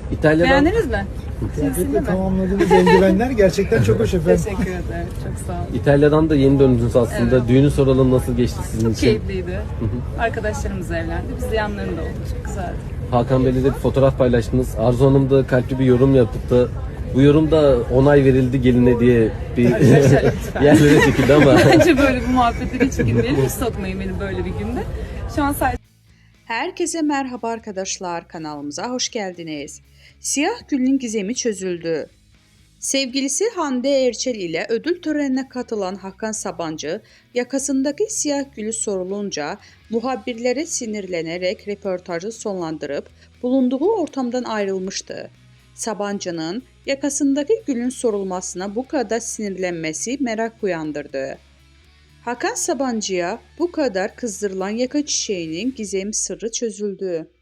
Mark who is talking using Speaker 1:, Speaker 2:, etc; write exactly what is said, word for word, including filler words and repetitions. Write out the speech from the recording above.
Speaker 1: İtalya'dan
Speaker 2: Beğendiniz mi?
Speaker 3: Kıyafetle tamamladığınız eldivenler gerçekten çok hoş efendim.
Speaker 2: Teşekkür ederim. Çok sağ olun.
Speaker 1: İtalya'dan da yeni döndünüz aslında.
Speaker 2: Evet.
Speaker 1: Düğünü soralım, nasıl geçti sizin
Speaker 2: Çok
Speaker 1: için?
Speaker 2: keyifliydi. Arkadaşlarımız evlendi. Biz de yanlarında olduk. Çok güzeldi.
Speaker 1: Hakan Bey'le de bir fotoğraf paylaştınız. Arzu Hanım da kalpli bir yorum yaptı. Bu yorumda onay verildi geline diye bir
Speaker 2: Arkadaşlar lütfen.
Speaker 1: yerlere çekildi ama.
Speaker 2: Bence böyle bu muhabbetleri hiç girmeyelim. Hiç sokmayın beni böyle bir günde. Şu an sadece
Speaker 4: Herkese merhaba arkadaşlar, kanalımıza hoş geldiniz. Siyah Gül'ün gizemi çözüldü. Sevgilisi Hande Erçel ile ödül törenine katılan Hakan Sabancı, yakasındaki siyah gülü sorulunca muhabirlere sinirlenerek röportajı sonlandırıp bulunduğu ortamdan ayrılmıştı. Sabancı'nın yakasındaki gülün sorulmasına bu kadar sinirlenmesi merak uyandırdı. Hakan Sabancı'ya bu kadar kızdırılan yaka çiçeğinin gizemi sırrı çözüldü.